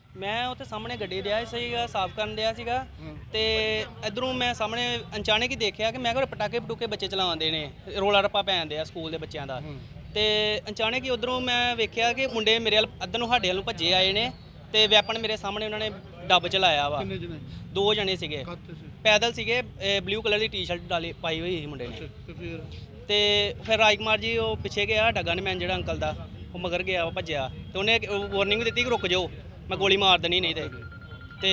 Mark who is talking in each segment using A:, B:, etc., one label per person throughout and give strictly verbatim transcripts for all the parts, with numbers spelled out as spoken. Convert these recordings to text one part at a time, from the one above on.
A: ਮੈਂ ਉੱਥੇ ਸਾਹਮਣੇ ਗੱਡੀ ਰਿਹਾ ਸੀਗਾ, ਸਾਫ਼ ਕਰਨ ਰਿਹਾ ਸੀਗਾ ਤੇ ਇਧਰੋਂ ਮੈਂ ਸਾਹਮਣੇ ਅਚਾਨਕ ਹੀ ਦੇਖਿਆ ਕਿ ਮੈਂ ਕਿਹਾ ਪਟਾਕੇ ਪਟੂਕੇ ਬੱਚੇ ਚਲਾਉਂਦੇ ਨੇ, ਰੋਲਾ ਰੱਪਾ ਪੈਂਦੇ ਆ ਸਕੂਲ ਦੇ ਬੱਚਿਆਂ ਦਾ। ਤੇ ਅਚਾਨਕ ਹੀ ਉਧਰੋਂ ਮੈਂ ਵੇਖਿਆ ਕਿ ਮੁੰਡੇ ਮੇਰੇ ਵੱਲ ਅੱਧਰ ਨੂੰ ਸਾਡੇ ਵੱਲ ਨੂੰ ਭੱਜੇ ਆਏ ਨੇ ਤੇ ਵੈਪਨ ਮੇਰੇ ਸਾਹਮਣੇ ਉਹਨਾਂ ਨੇ ਡੱਬ ਚਲਾਇਆ ਵਾ। ਦੋ ਜਣੇ ਸੀਗੇ, ਪੈਦਲ ਸੀਗੇ, ਬਲੂ ਕਲਰ ਦੀ ਟੀ-ਸ਼ਰਟ ਡਾਲੀ ਪਾਈ ਹੋਈ ਸੀ ਮੁੰਡੇ ਨੇ। ਤੇ ਫਿਰ ਰਾਜਕੁਮਾਰ ਜੀ ਉਹ ਪਿੱਛੇ ਗਿਆ, ਡੱਗਾ ਨੇ ਮੈਨ ਜਿਹੜਾ ਅੰਕਲ ਦਾ ਉਹ ਮਗਰ ਗਿਆ, ਉਹ ਭੱਜਿਆ ਤੇ ਉਹਨੇ ਵਾਰਨਿੰਗ ਦਿੱਤੀ ਕਿ ਰੁਕ ਜਾਓ, ਮੈਂ ਗੋਲੀ ਮਾਰ ਦੇਣੀ ਨਹੀਂ ਤੇ। ਤੇ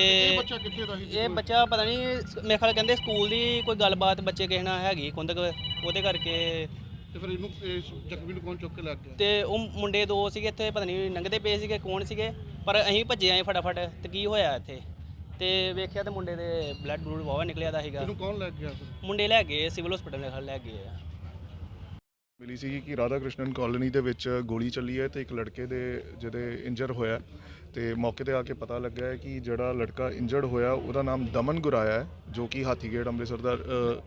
A: ਇਹ ਬੱਚਾ ਪਤਾ ਨਹੀਂ ਮੇਰੇ ਖਿਆਲ ਕਹਿੰਦੇ ਸਕੂਲ ਦੀ ਕੋਈ ਗੱਲਬਾਤ ਬੱਚੇ ਕਿਸੇ ਨਾਲ ਹੈਗੀ ਕੁੰਦਕ, ਉਹਦੇ ਕਰਕੇ
B: ਤੇ ਫਿਰ ਇਹਨੂੰ ਜ਼ਖਮੀ ਨੂੰ ਕੌਣ ਚੁੱਕ ਕੇ ਲੱਗ ਗਿਆ?
A: ਤੇ ਉਹ ਮੁੰਡੇ ਦੋ ਸੀਗੇ ਇੱਥੇ, ਪਤਾ ਨਹੀਂ ਲੰਘਦੇ ਪਏ ਸੀਗੇ ਕੌਣ ਸੀਗੇ, ਪਰ ਅਸੀਂ ਭੱਜੇ ਆਏ ਫਟਾਫਟ। ਤੇ ਕੀ ਹੋਇਆ ਇੱਥੇ ਤੇ ਵੇਖਿਆ ਤੇ ਮੁੰਡੇ ਦੇ ਬਲੱਡ ਬਲੂਡ ਵਾਵਾ ਨਿਕਲਿਆ ਦਾ ਸੀਗਾ।
B: ਇਹਨੂੰ ਕੌਣ ਲੈ ਗਿਆ?
A: ਮੁੰਡੇ ਲੈ ਗਏ ਸਿਵਲ ਹਸਪੀਟਲ ਦੇ ਲੈ ਗਏ ਆ।
C: ਮਿਲੀ ਸੀ ਕਿ ਰਾਧਾ ਕ੍ਰਿਸ਼ਨਨ ਕਾਲੋਨੀ ਦੇ ਵਿੱਚ ਗੋਲੀ ਚੱਲੀ ਹੈ ਤੇ ਇੱਕ ਲੜਕੇ ਦੇ ਜਿਹਦੇ ਇੰਜਰ ਹੋਇਆ ਤੇ ਮੌਕੇ ਤੇ ਆ ਕੇ ਪਤਾ ਲੱਗਾ ਹੈ ਕਿ ਜਿਹੜਾ ਲੜਕਾ ਇੰਜਰਡ ਹੋਇਆ ਉਹਦਾ ਨਾਮ ਦਮਨ ਗੁਰਾਇਆ ਹੈ, ਜੋ ਕਿ ਹਾਥੀਗੇਟ ਅੰਮ੍ਰਿਤਸਰ ਦਾ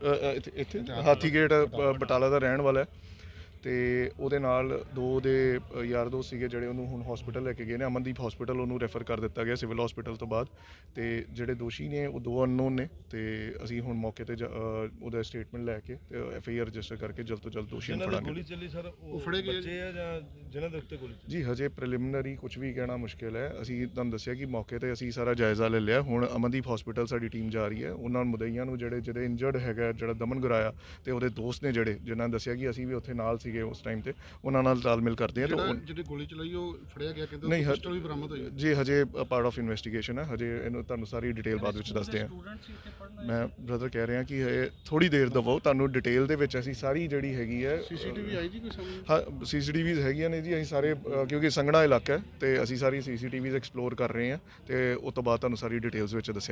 C: ਇੱਥੇ ਹਾਥੀਗੇਟ ਬਟਾਲਾ ਦਾ ਰਹਿਣ ਵਾਲਾ ਹੈ। ਤੇ ਉਹਦੇ ਨਾਲ ਦੋ ਦੇ ਯਾਰ ਦੋਸਤ ਸੀਗੇ ਜਿਹੜੇ ਉਹਨੂੰ ਹੁਣ ਹਸਪੀਟਲ ਲੈ ਕੇ ਗਏ ਨੇ, ਅਮਨਦੀਪ ਹਸਪੀਟਲ ਉਹਨੂੰ ਰੈਫਰ ਕਰ ਦਿੱਤਾ ਗਿਆ ਸਿਵਲ ਹਸਪੀਟਲ ਤੋਂ ਬਾਅਦ। ਤੇ ਜਿਹੜੇ ਦੋਸ਼ੀ ਨੇ ਉਹ ਦੋ ਅਨਨੋਨ ਨੇ ਤੇ ਅਸੀਂ ਹੁਣ ਮੌਕੇ ਤੇ ਉਹਦਾ ਸਟੇਟਮੈਂਟ ਲੈ ਕੇ ਤੇ ਐਫ ਆਈ ਆਰ ਰਜਿਸਟਰ ਕਰਕੇ ਜਲਦ ਤੋਂ ਜਲਦ ਦੋਸ਼ੀ ਨੂੰ ਫੜਾਂਗੇ।
B: ਗੋਲੀ ਚੱਲੀ ਸਰ ਉਹ ਫੜੇ ਗਏ ਬੱਚੇ ਆ ਜਾਂ ਜਿਨ੍ਹਾਂ ਦੇ ਉੱਤੇ ਗੋਲੀ? ਜੀ
C: ਹਜੇ ਪ੍ਰੀਲਿਮਿਨਰੀ ਕੁਝ ਵੀ ਕਹਿਣਾ ਮੁਸ਼ਕਿਲ ਹੈ। ਅਸੀਂ ਤੁਹਾਨੂੰ ਦੱਸਿਆ ਕਿ ਮੌਕੇ ਤੇ ਅਸੀਂ ਸਾਰਾ ਜਾਇਜ਼ਾ ਲੈ ਲਿਆ। ਹੁਣ ਅਮਨਦੀਪ ਹਸਪੀਟਲ ਸਾਡੀ ਟੀਮ ਜਾ ਰਹੀ ਹੈ, ਉਹਨਾਂ ਮੁਦਈਆਂ ਨੂੰ ਜਿਹੜੇ ਜਿਹੜੇ ਇੰਜਰਡ ਹੈਗਾ ਜਿਹੜਾ ਦਮਨ ਗੁਰਾਇਆ ਤੇ ਉਹਦੇ ਦੋਸਤ ਨੇ ਜਿਹੜੇ ਜਿਨ੍ਹਾਂ ਨੇ ਦੱਸਿਆ ਕਿ ਅਸੀਂ ਵੀ ਉੱਥੇ ਨਾਲ ਸੀਗੇ ਉਸ ਟਾਈਮ ਤੇ, ਉਹਨਾਂ ਨਾਲ ਤਾਲਮੇਲ ਕਰਦੇ ਆ। ਤਾਂ
B: ਜਿਹੜੀ ਗੋਲੀ ਚਲਾਈ ਉਹ ਫੜਿਆ ਗਿਆ, ਕਹਿੰਦੇ ਉਹ ਪਿਸਟਲ ਵੀ ਬਰਾਮਦ ਹੋਈ
C: ਜੀ। ਹਜੇ ਪਾਰਟ ਆਫ ਇਨਵੈਸਟੀਗੇਸ਼ਨ ਹੈ, ਹਜੇ ਇਹਨੂੰ ਤੁਹਾਨੂੰ ਸਾਰੀ ਡਿਟੇਲ ਬਾਅਦ ਵਿੱਚ ਦੱਸਦੇ ਆ। ਮੈਂ ਬ੍ਰਦਰ ਕਹਿ ਰਿਹਾ ਕਿ ਇਹ ਥੋੜੀ ਦੇਰ ਦਵੋ, ਤੁਹਾਨੂੰ ਡਿਟੇਲ ਦੇ ਵਿੱਚ ਅਸੀਂ ਸਾਰੀ ਜਿਹੜੀ ਹੈਗੀ ਹੈ
B: ਸੀਸੀਟੀਵੀ ਆਈ ਜੀ ਕੋਈ ਸਾਹਮਣੇ?
C: ਹਾਂ ਸੀਸੀਟੀਵੀਜ਼ ਹੈਗੀਆਂ ਨੇ ਜੀ। ਅਸੀਂ ਸਾਰੇ ਕਿਉਂਕਿ ਸੰਘਣਾ ਇਲਾਕਾ ਹੈ ਤੇ ਅਸੀਂ ਸਾਰੀ ਸੀਸੀਟੀਵੀਜ਼ ਐਕਸਪਲੋਰ ਕਰ ਰਹੇ ਹਾਂ ਤੇ ਉਸ ਤੋਂ ਬਾਅਦ ਤੁਹਾਨੂੰ ਸਾਰੀ ਡਿਟੇਲਸ ਵਿੱਚ ਦੱਸਿਆ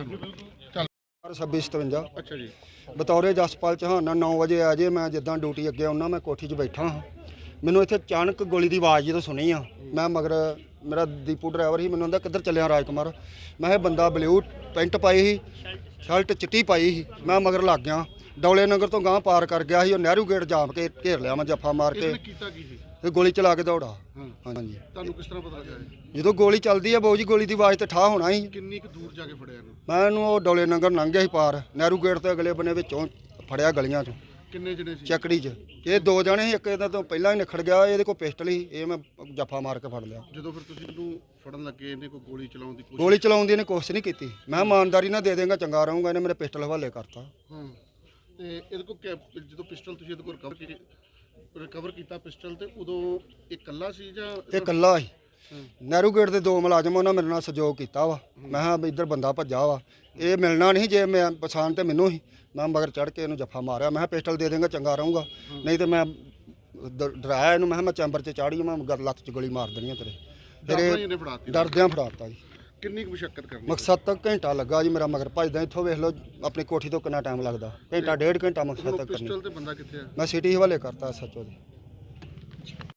C: ਜਾਏਗਾ।
B: ਛੱਬੀ ਸਤਵੰਜਾ। ਅੱਛਾ ਜੀ।
D: ਬਤੌਰੇ ਜਸਪਾਲ ਚੌਹਾਨ ਨੌ ਵਜੇ ਆ ਜੇ ਮੈਂ ਜਿੱਦਾਂ ਡਿਊਟੀ ਅੱਗੇ ਆਉਣਾ, ਮੈਂ ਕੋਠੀ 'ਚ ਬੈਠਾ ਹਾਂ, ਮੈਨੂੰ ਇੱਥੇ ਅਚਾਨਕ ਗੋਲੀ ਦੀ ਆਵਾਜ਼ ਜਦੋਂ ਸੁਣੀ ਆ, ਮੈਂ ਮਗਰ ਮੇਰਾ ਦੀਪੂ ਡਰਾਈਵਰ ਸੀ, ਮੈਨੂੰ ਕਹਿੰਦਾ ਕਿੱਧਰ ਚੱਲਿਆ ਰਾਜਕੁਮਾਰ? ਮੈਂ ਇਹ ਬੰਦਾ ਬਲੂ ਪੈਂਟ ਪਾਈ ਸੀ, ਸ਼ਰਟ ਚਿੱਟੀ ਪਾਈ ਸੀ, ਮੈਂ ਮਗਰ ਲੱਗ ਗਿਆ। ਡੌਲੇ ਨਗਰ ਤੋਂ ਗਾਂਹ ਪਾਰ ਕਰ ਗਿਆ ਸੀ, ਉਹ ਨਹਿਰੂ ਗੇਟ ਜਾਮ ਕੇ ਘੇਰ ਲਿਆ, ਮੈਂ ਜੱਫਾ ਮਾਰ ਕੇ
B: ਕੀਤਾ ਕੀ ਸੀ?
D: ਇਹ ਗੋਲੀ ਚਲਾ ਕੇ ਦੌੜਾ। ਹਾਂਜੀ।
B: ਤੁਹਾਨੂੰ ਕਿਸ ਤਰ੍ਹਾਂ ਪਤਾ ਲੱਗਾ?
D: ਜਦੋਂ ਗੋਲੀ ਚੱਲਦੀ ਆ ਬਾਊ ਜੀ, ਗੋਲੀ ਦੀ ਆਵਾਜ਼ ਤੇ ਠਾਹ ਹੋਣਾ ਸੀ।
B: ਕਿੰਨੀ ਕੁ ਦੂਰ ਜਾ ਕੇ ਫੜਿਆ ਇਹਨੂੰ?
D: ਮੈਂ ਇਹਨੂੰ ਉਹ ਡੌਲੇ ਨਗਰ ਲੰਘ ਗਿਆ ਸੀ ਪਾਰ, ਨਹਿਰੂ ਗੇਟ ਤੋਂ ਅਗਲੇ ਬੰਨੇ ਵਿੱਚੋਂ ਫੜਿਆ ਗਲੀਆਂ 'ਚੋਂ।
B: ਕਿੰਨੇ ਜਣੇ ਸੀ?
D: ਚੱਕੜੀ 'ਚ ਇਹ ਦੋ ਜਣੇ ਸੀ, ਇੱਕ ਇਹਦਾ ਤੋਂ ਪਹਿਲਾਂ ਹੀ ਨਿਖੜ ਗਿਆ, ਇਹਦੇ ਕੋਲ ਪਿਸਟਲ ਸੀ, ਇਹ ਮੈਂ ਜੱਫਾ ਮਾਰ ਕੇ ਫੜ ਲਿਆ।
B: ਜਦੋਂ ਫਿਰ ਤੁਸੀਂ ਇਹਨੂੰ ਫੜਨ ਲੱਗੇ, ਇਹਨੇ ਕੋਈ ਗੋਲੀ ਚਲਾਉਣ ਦੀ ਕੋਸ਼ਿਸ਼?
D: ਗੋਲੀ ਚਲਾਉਣ ਦੀ ਇਹਨੇ ਕੋਸ਼ਿਸ਼ ਨਹੀਂ ਕੀਤੀ। ਮੈਂ ਇਮਾਨਦਾਰੀ ਨਾਲ ਦੇ ਦੇਂਗਾ ਚੰਗਾ ਰਹੂੰਗਾ, ਇਹਨੇ ਮੇਰੇ ਪਿਸਟਲ ਹਵਾਲੇ ਕਰਤਾ।
B: ਹਾਂ। ਤੇ ਇਹਦੇ ਕੋਲ ਜਦੋਂ ਪਿਸਟਲ ਤੁਸੀਂ ਇਹਦੇ ਕੋਲ ਰਿਕਵਰ ਕੀਤੀ ਰਿਕਵਰ ਕੀਤਾ ਪਿਸਟਲ, ਤੇ ਉਦੋਂ ਇਹ ਇਕੱਲਾ ਸੀ ਜਾਂ?
D: ਇਹ ਇਕੱਲਾ ਸੀ। ਨਹਿਰੂ ਗੇਟ ਦੇ ਦੋ ਮੁਲਾਜ਼ਮ ਉਹਨਾਂ ਮੇਰੇ ਨਾਲ ਸਹਿਯੋਗ ਕੀਤਾ ਵਾ। ਮੈਂ ਕਿਹਾ ਵੀ ਇੱਧਰ ਬੰਦਾ ਭੱਜਾ ਵਾ, ਇਹ ਮਿਲਣਾ ਨਹੀਂ, ਜੇ ਮੈਂ ਪਛਾਣ ਤੇ ਮੈਨੂੰ ਹੀ, ਮੈਂ ਮਗਰ ਚੜ੍ਹ ਕੇ ਇਹਨੂੰ ਜੱਫਾ ਮਾਰਿਆ। ਮੈਂ ਕਿਹਾ ਪਿਸਟਲ ਦੇ ਦੇਂਗਾ ਚੰਗਾ ਰਹੂੰਗਾ, ਨਹੀਂ ਤੇ ਮੈਂ ਡਰਾਇਆ ਇਹਨੂੰ, ਮੈਂ ਕਿਹਾ ਮੈਂ ਚੈਂਬਰ 'ਚ ਚਾੜੀ, ਮੈਂ ਲੱਤ 'ਚ ਗੋਲੀ ਮਾਰ ਦੇਣੀ ਆ ਤੇਰੇ। ਫਿਰ ਡਰਦਿਆਂ ਫੜਾਤਾ ਜੀ।
B: ਕਿੰਨੀ ਕੁ ਮੁਸ਼ੱਕਤ ਕਰਨੀ?
D: ਮਕਸਦ ਤੱਕ ਘੰਟਾ ਲੱਗਾ ਜੀ ਮੇਰਾ ਮਗਰ ਭੱਜਦਾ। ਇੱਥੋਂ ਵੇਖ ਲਓ ਆਪਣੀ ਕੋਠੀ ਤੋਂ ਕਿੰਨਾ ਟਾਈਮ ਲੱਗਦਾ, ਘੰਟਾ ਡੇਢ ਘੰਟਾ ਮਕਸਦ ਤੱਕ ਕਰਨੀ।
B: ਪਿਸਟਲ ਤੇ ਬੰਦਾ ਕਿੱਥੇ ਹੈ?
D: ਮੈਂ ਸਿਟੀ ਹਵਾਲੇ ਕਰਤਾ ਸੱਚੋ ਦੇ।